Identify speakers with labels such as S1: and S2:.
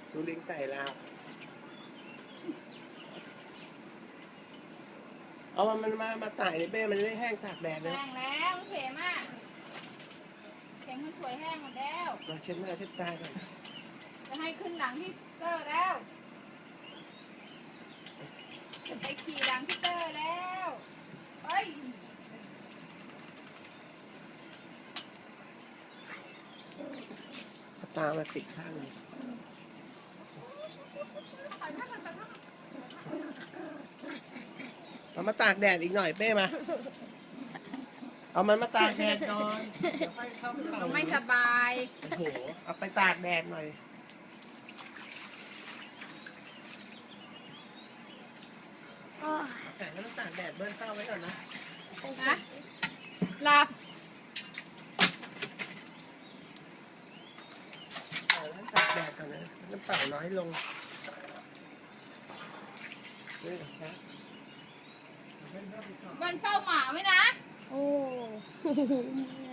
S1: ดูลิงไก่แล้วเอามันมาตากในเป้มันจะได้แห้งตากแดดเลย
S2: แห้งแล้วเข็มอ่ะเข็มมันสวยแห้งหมดแล้ว
S1: มาเช็ดหน้าเช็ดตากัน
S2: จะให้ขึ้นหลังที่เตอร์แล้วจะไปขี่หลังที่เตอร์แล้วเฮ้ย
S1: ตามาติดข้างเลยเอามาตากแดดอีกหน่อยเป้มาเอามันมาตากแดดก่อนเดี๋ยวค่อยเข้าเข่า
S2: ไม่สบาย
S1: โอ้โหเอาไปตากแดดหน่อยแต่ก็ต้องตากแดดเบิ้ลเข้าไว้ก่อนนะ
S2: นะหลับ
S1: ต้องตากแดดก่อนนะน้ำเปล่าน้อยลงนี่ซะ
S2: มันเฝ้าหมาไว้นะ
S3: โอ้